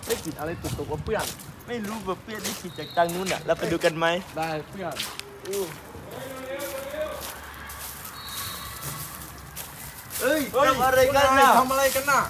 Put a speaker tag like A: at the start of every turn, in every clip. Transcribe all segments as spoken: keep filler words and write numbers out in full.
A: ได้กลิ่นอะไรตุกๆว่าเพื่อน
B: ไม่รู้ว่าเพื่อนได้กลิ่นจากทางนู้นอ่ะเราไปดูกันไหม
A: ได้เพื่อนอู้
B: เอ้ยทำอะไรกันน่ะ
A: ทำอะไรกันน่ะ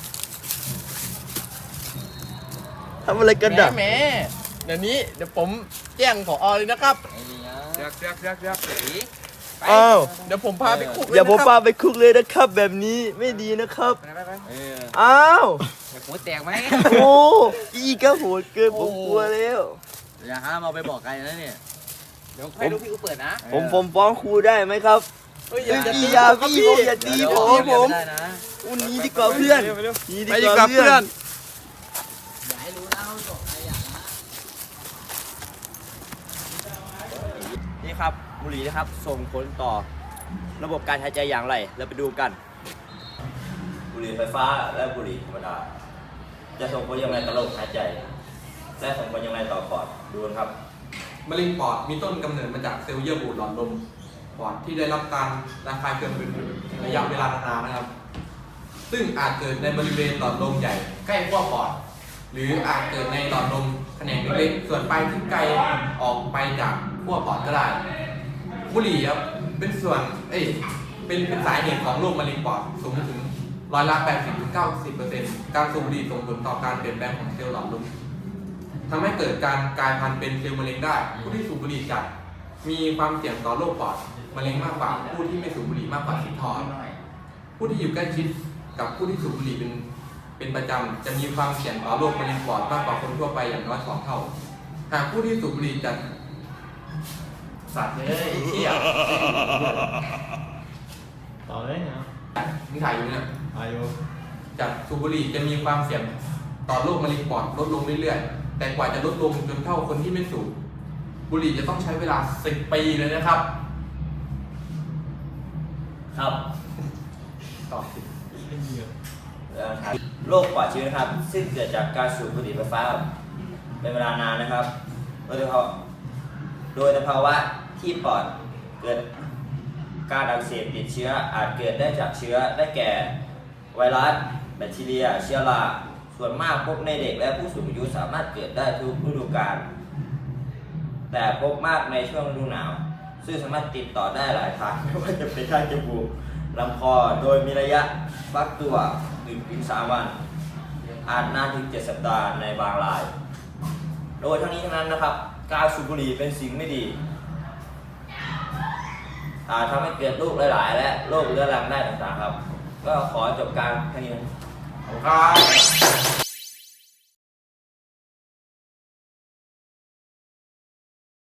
B: ทำอะไรกันน่ะ
A: แหมเดี๋ยวนี้เดี๋ยวผมแจ้งผอเลยนะครับ
C: เรียกเรียกเรียกเรียก
B: อ้าว
A: เดี๋ยวผมพาไปคุก
B: อย่าผม
A: เลย
B: พา
A: นะครับ
B: ไปคุกเลยนะครับแบบนี้ไม่ดีนะครับ
C: ไปไปไป
D: เออ
B: อ้าว
D: หัวแตกไหม
B: โอ้อีก็โหดเกินผมกลัวแล้ว
D: อย่าห้ามเอาไปบอกใครนะเนี่ย
C: เดี๋ยวให้ลูกพี่กูเปิดนะ
B: ผมผมฟ้องครูได้ไหมครับ
A: เฮ้ยอ
B: เอ้
A: ย่าย
B: พี่
A: ตี
B: อยา
A: ครับ
B: พี่ผมอย่าตี
D: เดี๋ยว
B: ผ
D: เดี๋ยว
B: มผม
D: ไม่ได้นะ
B: อุ้ยหนีดีกว่าเพื่อนหนี
A: ไป
B: ดี
A: ดี
B: ก
A: ก
B: ว่า
A: ว่า
B: เพื่
A: เพื่
B: อ
A: อน น
D: อย่าให้รู้นะว่าจบใครอย่างนะ
B: นี่ครับบุหรี่นะครับส่งผลต่อระบบการหายใจอย่างไรเราไปดูกัน บุหรี่ไฟฟ้าและบุหรี่ธรรมดาจะส่งผลอย่างไรต่อระบบหายใจและส่งผลอย่างไรต่อปอดดูกันครับ
E: มะเร็งปอดมีต้นกำเนิดมาจากเซลล์เยื่อบุหลอดลมปอดที่ได้รับการระคายเคืองเป็นระยะเวลานานๆนะครับ ซึ่งอาจเกิดในบริเวณหลอดลมใหญ่ใกล้ขั้วปอด หรืออาจเกิดในหลอดลมแขนงเล็กๆส่วนปลายที่ไกลออกไปจากขั้วปอดก็ได้ บุหรี่ครับเป็นส่วนเอ้ยเป็นเป็นสาเหตุของโรคมะเร็งปอดสูงถึงร้อยละแปดสิบถึงเก้าสิบเปอร์เซ็นต์การสูบบุหรี่ส่งผลต่อการเปลี่ยนแปลงของเซลล์หลอดลมทำให้เกิดการกลายพันธุ์เป็นเซลล์มะเร็งได้ ผู้ที่สูบบุหรี่จัดมีความเสี่ยงต่อโรคปอดมะเร็งมากกว่าผู้ที่ไม่สูบบุหรี่มากกว่าสิบเท่าผู้ที่อยู่ใกล้ชิดกับผู้ที่สูบบุหรี่เป็นเป็นประจำจะมีความเสี่ยงต่อโรคมะเร็งปอดมากกว่าคนทั่วไปอย่างน้อยสองเท่า หากผู้ที่สูบบุหรี่จัดสัตว์เนี่ยไอ้เหี้ย
A: ต่อเลยนะ
E: มึงถ่ายอยู่เนี่ย
A: อายุ
E: จากสูบบุหรี่จะมีความเสี่ยงต่อโรคมะเร็งปอดลดลงเรื่อยๆ แต่กว่าจะลดลงจนเท่าคนที่ไม่สูบบุหรี่จะต้องใช้เวลาสิบปีเลยนะครับ
B: ครับ
E: ต่อสิ
B: โรคปอดเชื้อนะครับ ซึ่งเกิดจากการสูบบุหรี่ไฟฟ้าเป็นเวลานานนะครับ โดยเฉพาะโดยสภาวะที่ปอดเกิดการอักเสบติดเชื้ออาจเกิดได้จากเชื้อได้แก่ไวรัสแบคทีเรียเชื้อราส่วนมากพบในเด็กและผู้สูงอายุสามารถเกิดได้ทุกฤดูกาลแต่พบมากในช่วงฤดูหนาว ซึ่งสามารถติดต่อได้หลายทางไม่ว่าจะเป็นทางจมูกลำคอโดยมีระยะฟักตัวหนึ่งถึงสามวัน อาจนานถึงเจ็ดสัปดาห์ในบางราย โดยทั้งนี้ทั้งนั้นนะครับ การสูบบุหรี่เป็นสิ่งไม่ดีอาจทำให้เกิดโรคหลายๆและโรคเรื้อรังได้ต่างๆครับ ก็ขอจบการแค่นี้นะ
E: ครับ